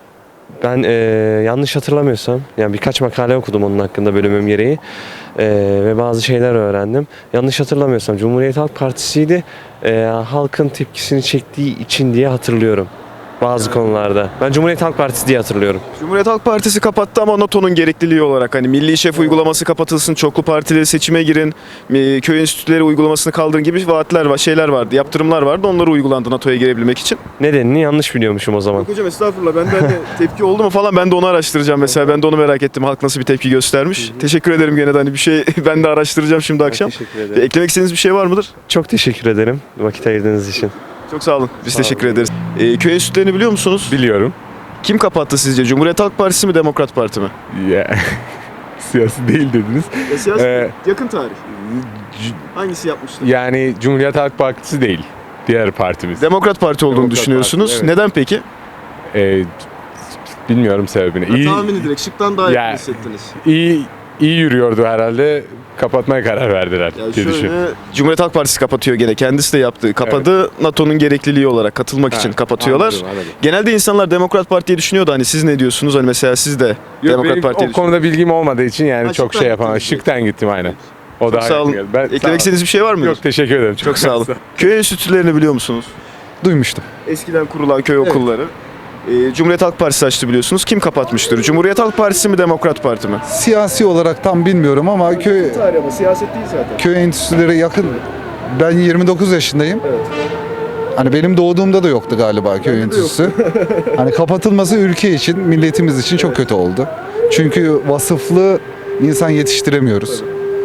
Speaker 13: Ben e, yanlış hatırlamıyorsam, yani birkaç makale okudum onun hakkında bölümüm gereği E, ve bazı şeyler öğrendim. Yanlış hatırlamıyorsam Cumhuriyet Halk Partisi'ydi, e, halkın tepkisini çektiği için diye hatırlıyorum bazı konularda. Ben Cumhuriyet Halk Partisi diye hatırlıyorum.
Speaker 1: Cumhuriyet Halk Partisi kapattı ama NATO'nun gerekliliği olarak hani milli şef uygulaması kapatılsın, çoklu partili seçime girin, e, köy enstitüleri uygulamasını kaldırın gibi vaatler var, şeyler vardı, yaptırımlar vardı. Onları uygulandı NATO'ya girebilmek için.
Speaker 13: Nedenini yanlış biliyormuşum o zaman.
Speaker 1: Yok hocam estağfurullah, ben de hani tepki oldu mu falan ben de onu araştıracağım mesela. Ben de onu merak ettim. Halk nasıl bir tepki göstermiş. Teşekkür ederim gene de hani bir şey ben de araştıracağım şimdi akşam.
Speaker 13: Teşekkür ederim.
Speaker 1: Eklemek istediğiniz bir şey var mıdır?
Speaker 13: Çok teşekkür ederim vakit ayırdığınız için.
Speaker 1: Çok sağ olun. Biz
Speaker 13: Sağ
Speaker 1: teşekkür
Speaker 13: olun.
Speaker 1: ederiz. E, köy enstitülerini biliyor musunuz?
Speaker 14: Biliyorum.
Speaker 1: Kim kapattı sizce? Cumhuriyet Halk Partisi mi, Demokrat Parti mi?
Speaker 14: Ya, siyasi değil dediniz.
Speaker 1: E, siyasi
Speaker 14: Ee,
Speaker 1: yakın tarih. Hangisi yapmıştı?
Speaker 14: Yani Cumhuriyet Halk Partisi değil. Diğer partimiz.
Speaker 1: Demokrat Parti olduğunu
Speaker 14: Demokrat
Speaker 1: düşünüyorsunuz.
Speaker 14: Parti, evet.
Speaker 1: Neden peki?
Speaker 14: Ee, bilmiyorum sebebini. İyi,
Speaker 1: Tahmini direkt şıktan daha
Speaker 14: Ya-
Speaker 1: yakın hissettiniz.
Speaker 14: iyi, iyi yürüyordu herhalde. Kapatmaya karar verdiler
Speaker 1: Yani
Speaker 14: diye
Speaker 1: şöyle,
Speaker 14: düşünüyorum.
Speaker 1: Cumhuriyet Halk Partisi kapatıyor gene. Kendisi de yaptı. Kapadı. NATO'nun gerekliliği olarak katılmak için
Speaker 14: Ha,
Speaker 1: kapatıyorlar.
Speaker 14: anladım, anladım.
Speaker 1: Genelde insanlar Demokrat Parti'yi düşünüyordu. Hani siz ne diyorsunuz? Hani mesela siz de
Speaker 14: Yok,
Speaker 1: Demokrat
Speaker 14: benim
Speaker 1: Parti'yi
Speaker 14: o konuda bilgim olmadığı için yani
Speaker 1: Ha,
Speaker 14: çok
Speaker 1: şıktan
Speaker 14: şey yapamam.
Speaker 1: gittiniz.
Speaker 14: Şıktan gittim aynen. O
Speaker 1: Çok
Speaker 14: daha
Speaker 1: sağ olun.
Speaker 14: yakın geldi. Ben, sağ olun.
Speaker 1: Eklemek istediğiniz bir şey var mı?
Speaker 14: Yok teşekkür ederim.
Speaker 1: Çok sağ olun. Köy enstitülerini biliyor musunuz?
Speaker 5: Duymuştum.
Speaker 1: Eskiden kurulan köy okulları. Ee, Cumhuriyet Halk Partisi açtı biliyorsunuz. Kim kapatmıştır? Cumhuriyet Halk Partisi mi, Demokrat Parti mi?
Speaker 5: Siyasi olarak tam bilmiyorum ama köy
Speaker 1: Tarih ama siyaset değil zaten.
Speaker 5: köy enstitüleri yakın. Ben yirmi dokuz yaşındayım.
Speaker 1: Evet.
Speaker 5: Hani benim doğduğumda da yoktu galiba köy enstitüsü. Hani kapatılması ülke için, milletimiz için çok kötü oldu. Çünkü vasıflı insan yetiştiremiyoruz.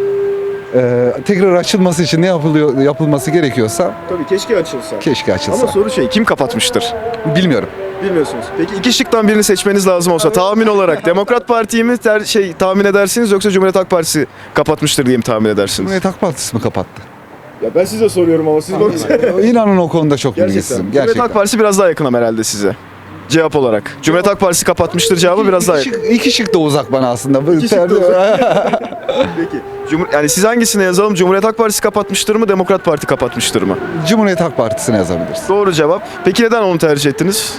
Speaker 5: Ee, tekrar açılması için ne yapılıyor yapılması gerekiyorsa
Speaker 1: Tabii keşke açılsa.
Speaker 5: keşke açılsa.
Speaker 1: Ama soru şey, kim kapatmıştır?
Speaker 5: Bilmiyorum.
Speaker 1: Bilmiyorsunuz. Peki iki şıktan birini seçmeniz lazım olsa tahmin olarak Demokrat Parti'yi mi ter, şey tahmin edersiniz yoksa Cumhuriyet Halk Partisi kapatmıştır diye mi tahmin edersiniz?
Speaker 5: Cumhuriyet Halk Partisi mi kapattı?
Speaker 1: Ya ben size soruyorum ama siz
Speaker 5: İnanın o konuda çok bilgisizim.
Speaker 1: Cumhuriyet
Speaker 5: Gerçekten.
Speaker 1: Halk Partisi biraz daha yakın ama herhalde size. Cevap olarak. Cumhuriyet Halk Partisi kapatmıştır cevabı biraz daha
Speaker 5: İki
Speaker 1: yakın.
Speaker 5: şık, iki şık da uzak bana aslında.
Speaker 1: İki şık da uzak. Peki. Cumhur, yani siz hangisine yazalım? Cumhuriyet Halk Partisi kapatmıştır mı? Demokrat Parti kapatmıştır mı?
Speaker 5: Cumhuriyet Halk Partisi'ne yazabiliriz.
Speaker 1: Doğru cevap. Peki neden onu tercih ettiniz?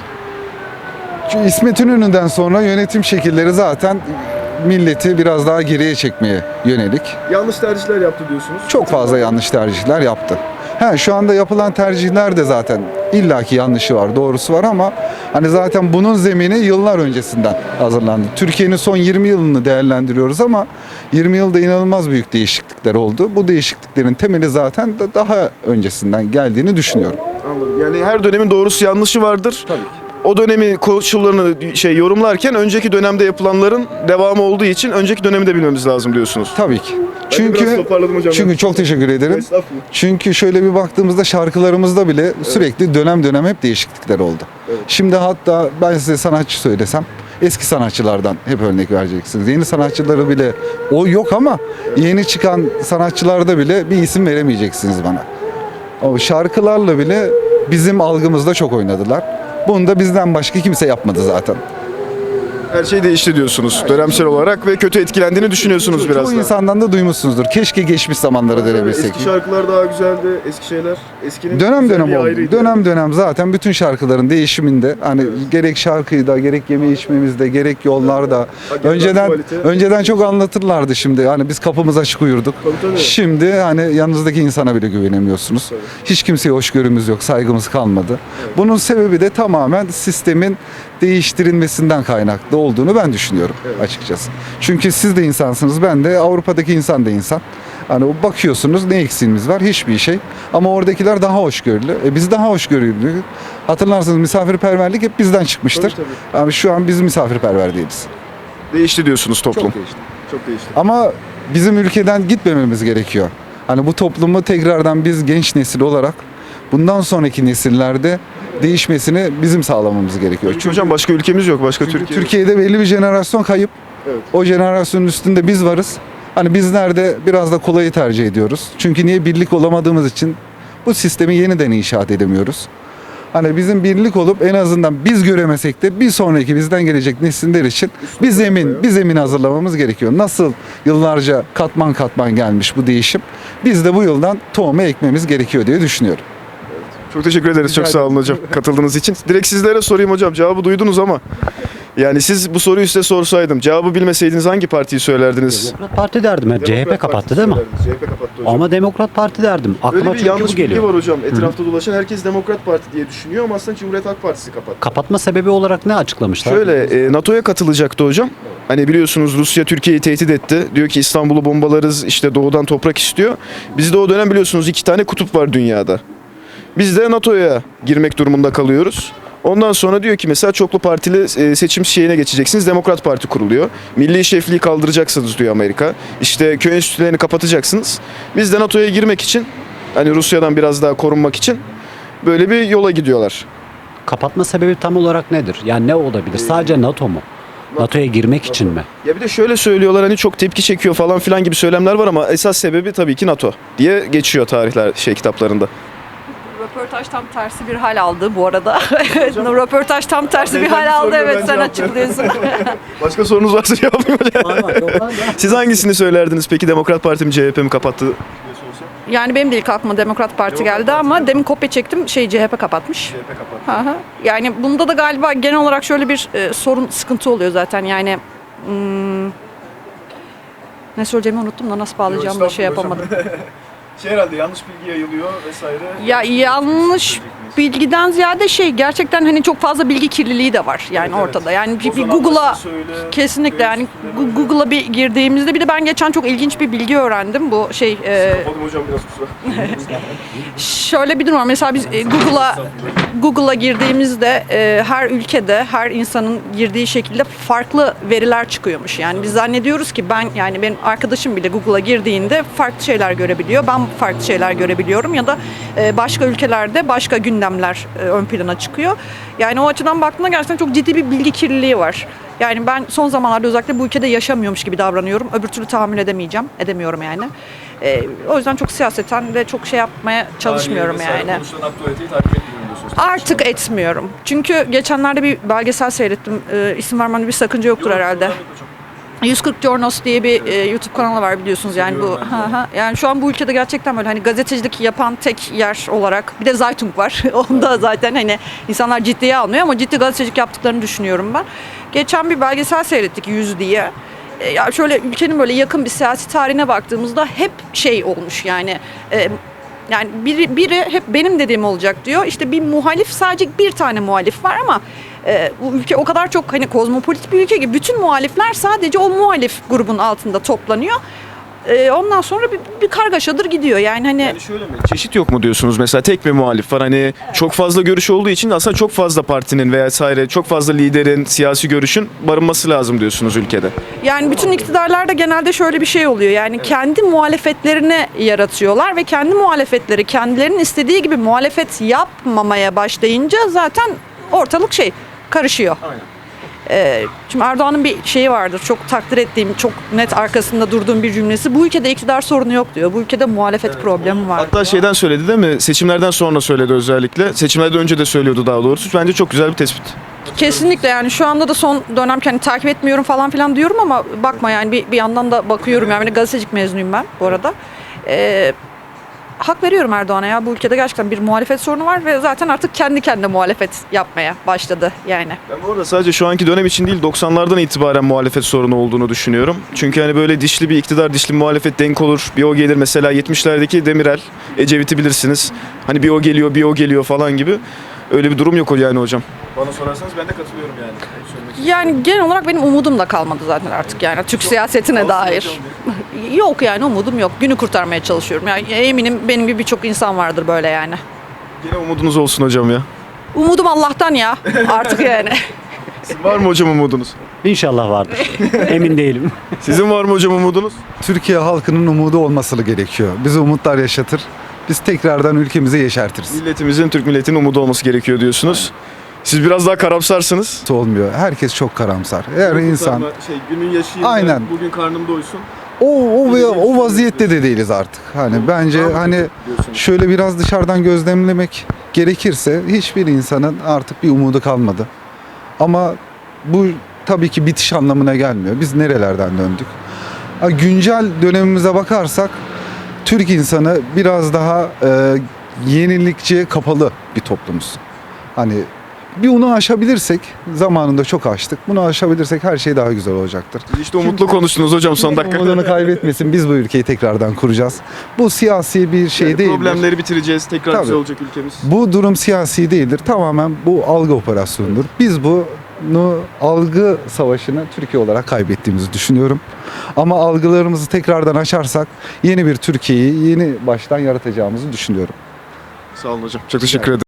Speaker 5: Çünkü İsmet İnönü'nden sonra yönetim şekilleri zaten milleti biraz daha geriye çekmeye yönelik.
Speaker 1: Yanlış tercihler yaptı diyorsunuz.
Speaker 5: Çok fazla yanlış tercihler yaptı. Ha, şu anda yapılan tercihler de zaten illaki yanlışı var, doğrusu var ama hani zaten bunun zemini yıllar öncesinden hazırlandı. Türkiye'nin son yirmi yılını değerlendiriyoruz ama yirmi yılda inanılmaz büyük değişiklikler oldu. Bu değişikliklerin temeli zaten da daha öncesinden geldiğini düşünüyorum.
Speaker 1: Anladım. Yani her dönemin doğrusu yanlışı vardır. Tabii ki. O dönemi koşullarını şey yorumlarken önceki dönemde yapılanların devamı olduğu için önceki dönemi de bilmemiz lazım diyorsunuz.
Speaker 5: Tabii ki.
Speaker 1: Ben de biraz
Speaker 5: Çünkü
Speaker 1: toparladım hocam.
Speaker 5: çünkü çok teşekkür ederim.
Speaker 1: Estağfurullah.
Speaker 5: Çünkü şöyle bir baktığımızda şarkılarımızda bile sürekli dönem dönem hep değişiklikler oldu.
Speaker 1: Evet.
Speaker 5: Şimdi hatta ben size sanatçı söylesem eski sanatçılardan hep örnek vereceksiniz. Yeni sanatçıları bile o yok ama yeni çıkan sanatçılarda bile bir isim veremeyeceksiniz bana. O şarkılarla bile bizim algımızda çok oynadılar. Bunu da bizden başka kimse yapmadı zaten.
Speaker 1: Her şey değişti diyorsunuz dönemsel olarak ve kötü etkilendiğini düşünüyorsunuz biraz
Speaker 5: Çoğu
Speaker 1: da.
Speaker 5: insandan da duymuşsunuzdur. Keşke geçmiş zamanları dönebilsek.
Speaker 1: Eski şarkılar daha güzeldi, eski şeyler. Eskinin
Speaker 5: Dönem dönem
Speaker 1: güzelliği
Speaker 5: oldu.
Speaker 1: ayrıydı.
Speaker 5: Dönem dönem zaten bütün şarkıların değişiminde hani gerek şarkıyda, gerek yeme içmemizde, gerek yollarda
Speaker 1: Hakikaten
Speaker 5: önceden
Speaker 1: kualite.
Speaker 5: önceden çok anlatırlardı şimdi. Hani biz kapımız açık uyurduk.
Speaker 1: Tabii, tabii.
Speaker 5: Şimdi hani yanınızdaki insana bile güvenemiyorsunuz.
Speaker 1: Tabii.
Speaker 5: Hiç kimseye hoşgörümüz yok, saygımız kalmadı. Bunun sebebi de tamamen sistemin değiştirilmesinden kaynaklı olduğunu ben düşünüyorum açıkçası. Çünkü siz de insansınız, ben de, Avrupa'daki insan da insan. Hani bakıyorsunuz ne eksiğimiz var? Hiçbir şey. Ama oradakiler daha hoşgörülü. E biz daha hoşgörülü. Hatırlarsınız misafirperverlik hep bizden çıkmıştır.
Speaker 1: Tabii, tabii.
Speaker 5: Ama şu an biz misafirperver değiliz.
Speaker 1: Değişti diyorsunuz toplum.
Speaker 5: Çok değişti.
Speaker 1: Çok değişti.
Speaker 5: Ama bizim ülkeden gitmememiz gerekiyor. Hani bu toplumu tekrardan biz genç nesil olarak bundan sonraki nesillerde değişmesini bizim sağlamamız gerekiyor.
Speaker 1: Çünkü hocam başka ülkemiz yok, başka
Speaker 5: Çünkü
Speaker 1: Türkiye.
Speaker 5: Türkiye'de belli bir jenerasyon kayıp.
Speaker 1: Evet.
Speaker 5: O jenerasyonun üstünde biz varız. Hani bizler de biraz da kolayı tercih ediyoruz. Çünkü niye birlik olamadığımız için bu sistemi yeniden inşaat edemiyoruz. Hani bizim birlik olup en azından biz göremesek de bir sonraki bizden gelecek nesiller için bir zemin, bir zemin hazırlamamız gerekiyor. Nasıl yıllarca katman katman gelmiş bu değişim. Biz de bu yıldan tohumu ekmemiz gerekiyor diye düşünüyorum.
Speaker 1: Çok teşekkür ederiz.
Speaker 5: Rica
Speaker 1: Çok sağ olun
Speaker 5: ederim.
Speaker 1: hocam katıldığınız için. Direkt sizlere sorayım hocam. Cevabı duydunuz ama Yani siz bu soruyu size sorsaydım cevabı bilmeseydiniz hangi partiyi söylerdiniz?
Speaker 15: Demokrat Parti derdim hep. C H P kapattı değil mi?
Speaker 1: C H P kapattı hocam.
Speaker 15: Ama Demokrat Parti derdim. Aklıma
Speaker 1: Öyle bir
Speaker 15: çünkü
Speaker 1: yanlış
Speaker 15: bu
Speaker 1: bilgi
Speaker 15: geliyor.
Speaker 1: var hocam. Etrafta dolaşan herkes Demokrat Parti diye düşünüyor ama aslında Cumhuriyet Halk Partisi kapattı.
Speaker 15: Kapatma sebebi olarak ne açıklamışlar?
Speaker 1: Şöyle e, NATO'ya katılacaktı hocam. Hani biliyorsunuz Rusya Türkiye'yi tehdit etti. Diyor ki İstanbul'u bombalarız, işte doğudan toprak istiyor. Bizde o dönem biliyorsunuz iki tane kutup var dünyada. Biz de NATO'ya girmek durumunda kalıyoruz. Ondan sonra diyor ki mesela çoklu partili e, seçim şeyine geçeceksiniz. Demokrat Parti kuruluyor. Milli şefliği kaldıracaksınız diyor Amerika. İşte köy enstitülerini kapatacaksınız. Biz de NATO'ya girmek için, hani Rusya'dan biraz daha korunmak için böyle bir yola gidiyorlar.
Speaker 15: Kapatma sebebi tam olarak nedir? Yani ne olabilir? Sadece NATO mu? NATO'ya girmek için mi?
Speaker 1: Ya bir de şöyle söylüyorlar, hani çok tepki çekiyor falan filan gibi söylemler var ama esas sebebi tabii ki NATO diye geçiyor tarihler şey kitaplarında.
Speaker 16: Röportaj tam tersi bir hal aldı bu arada. Evet, röportaj tam tersi bir hal aldı. Evet, sen açıklıyorsun.
Speaker 1: Başka sorunuz varsa cevaplayayım hocam. Siz hangisini söylerdiniz peki? Demokrat Parti mi C H P mi kapattı?
Speaker 16: Yani benim de ilk aklıma Demokrat Parti geldi ama demin kopya çektim, şey C H P kapatmış.
Speaker 1: C H P kapattı.
Speaker 16: Hı hı. Yani bunda da galiba genel olarak şöyle bir e, sorun, sıkıntı oluyor zaten. Yani hmm, ne söyleyeceğimi unuttum da nasıl bağlayacağımı da şey yapamadım.
Speaker 1: Şey herhalde yanlış bilgi yayılıyor vesaire.
Speaker 16: Ya yanlış bilgiden ziyade şey gerçekten hani çok fazla bilgi kirliliği de var yani
Speaker 1: Evet,
Speaker 16: ortada. Yani bir,
Speaker 1: O
Speaker 16: bir
Speaker 1: zaman
Speaker 16: Google'a
Speaker 1: nasıl söyle,
Speaker 16: kesinlikle yani
Speaker 1: böyle
Speaker 16: Gu- Google'a bir girdiğimizde bir de ben geçen çok ilginç bir bilgi öğrendim. Bu şey e,
Speaker 1: Kapadım hocam biraz kusura.
Speaker 16: şöyle bir durum var. Mesela biz e, Google'a Google'a girdiğimizde e, her ülkede her insanın girdiği şekilde farklı veriler çıkıyormuş. Yani biz zannediyoruz ki ben yani benim arkadaşım bile Google'a girdiğinde farklı şeyler görebiliyor. Ben farklı şeyler görebiliyorum ya da e, başka ülkelerde başka gündemler e, ön plana çıkıyor. Yani o açıdan baktığında gerçekten çok ciddi bir bilgi kirliliği var. Yani ben son zamanlarda özellikle bu ülkede yaşamıyormuş gibi davranıyorum. Öbür türlü tahammül edemeyeceğim. Edemiyorum yani. E, o yüzden çok siyaseten de çok şey yapmaya çalışmıyorum yani. Artık etmiyorum. Çünkü geçenlerde bir belgesel seyrettim. E, isim vermemde bir sakınca yoktur herhalde. yüz kırk Jornos diye bir e, YouTube kanalı var biliyorsunuz yani bu. Hı hı. Yani şu an bu ülkede gerçekten böyle hani gazetecilik yapan tek yer olarak bir de Zeitung var. Onda zaten hani insanlar ciddiye almıyor ama ciddi gazetecilik yaptıklarını düşünüyorum ben. Geçen bir belgesel seyrettik yüz diye. E, ya şöyle ülkenin böyle yakın bir siyasi tarihine baktığımızda hep şey olmuş yani e, yani biri, biri hep benim dediğim olacak diyor. İşte bir muhalif, sadece bir tane muhalif var ama e, bu ülke o kadar çok hani kozmopolit bir ülke ki bütün muhalifler sadece o muhalif grubun altında toplanıyor. E, ondan sonra bir, bir kargaşadır gidiyor. Yani hani
Speaker 1: Yani şöyle mi? Çeşit yok mu diyorsunuz? Mesela tek bir muhalif var. Hani çok fazla görüş olduğu için aslında çok fazla partinin veya vesaire çok fazla liderin, siyasi görüşün barınması lazım diyorsunuz ülkede.
Speaker 16: Yani bütün iktidarlarda genelde şöyle bir şey oluyor. Yani kendi muhalefetlerini yaratıyorlar ve kendi muhalefetleri kendilerinin istediği gibi muhalefet yapmamaya başlayınca zaten ortalık şey karışıyor.
Speaker 1: Aynen.
Speaker 16: Ee, şimdi Erdoğan'ın bir şeyi vardır. Çok takdir ettiğim, çok net arkasında durduğum bir cümlesi. Bu ülkede iktidar sorunu yok diyor. Bu ülkede muhalefet problemi var.
Speaker 1: Hatta şeyden söyledi değil mi? Seçimlerden sonra söyledi özellikle. Seçimlerden önce de söylüyordu daha doğrusu. Bence çok güzel bir tespit.
Speaker 16: Kesinlikle yani şu anda da son dönem hani takip etmiyorum falan filan diyorum ama bakma yani bir, bir yandan da bakıyorum. Yani gazetecilik mezunuyum ben bu arada. Ee, hak veriyorum Erdoğan'a ya. Bu ülkede gerçekten bir muhalefet sorunu var ve zaten artık kendi kendine muhalefet yapmaya başladı yani.
Speaker 1: Ben bu arada sadece şu anki dönem için değil doksanlardan itibaren muhalefet sorunu olduğunu düşünüyorum. Çünkü hani böyle dişli bir iktidar, dişli bir muhalefet denk olur. Bir o gelir mesela yetmişlerdeki Demirel, Ecevit'i bilirsiniz. Hani bir o geliyor, bir o geliyor falan gibi. Öyle bir durum yok o yani hocam. Bana sorarsanız ben de katılıyorum yani.
Speaker 16: Yani genel olarak benim umudum da kalmadı zaten artık yani Türk siyasetine dair. Yok yani umudum yok. Günü kurtarmaya çalışıyorum. Yani eminim benim gibi birçok insan vardır böyle yani.
Speaker 1: Yine umudunuz olsun hocam ya.
Speaker 16: Umudum Allah'tan ya artık yani.
Speaker 1: Sizin var mı hocam umudunuz?
Speaker 15: İnşallah vardır. Emin değilim.
Speaker 1: Sizin var mı hocam umudunuz?
Speaker 17: Türkiye halkının umudu olması gerekiyor. Bizi umutlar yaşatır. Biz tekrardan ülkemizi yeşertiriz.
Speaker 1: Milletimizin, Türk milletinin umudu olması gerekiyor diyorsunuz. Siz biraz daha karamsarsınız.
Speaker 17: Olmuyor. Herkes çok karamsar. Her insan
Speaker 1: Şey, günün yaşayayım,
Speaker 17: Aynen.
Speaker 1: bugün karnım doysun.
Speaker 17: o o ve o vaziyette de değiliz artık. Hani bence hani şöyle biraz dışarıdan gözlemlemek gerekirse hiçbir insanın artık bir umudu kalmadı. Ama bu tabii ki bitiş anlamına gelmiyor. Biz nerelerden döndük? Ha, güncel dönemimize bakarsak Türk insanı biraz daha e, yenilikçiye kapalı bir toplumuz. Hani bir bunu aşabilirsek, zamanında çok aştık. Bunu aşabilirsek her şey daha güzel olacaktır.
Speaker 1: İşte umutlu konuştunuz hocam son dakika.
Speaker 17: Umudunu kaybetmesin. Biz bu ülkeyi tekrardan kuracağız. Bu siyasi bir şey
Speaker 1: Yani
Speaker 17: değildir.
Speaker 1: problemleri bitireceğiz. Tekrar
Speaker 17: Tabii.
Speaker 1: güzel olacak ülkemiz.
Speaker 17: Bu durum siyasi değildir. Tamamen bu algı operasyonudur. Biz bunu algı savaşını Türkiye olarak kaybettiğimizi düşünüyorum. Ama algılarımızı tekrardan açarsak yeni bir Türkiye'yi yeni baştan yaratacağımızı düşünüyorum.
Speaker 1: Sağ olun hocam. Çok teşekkür ederim.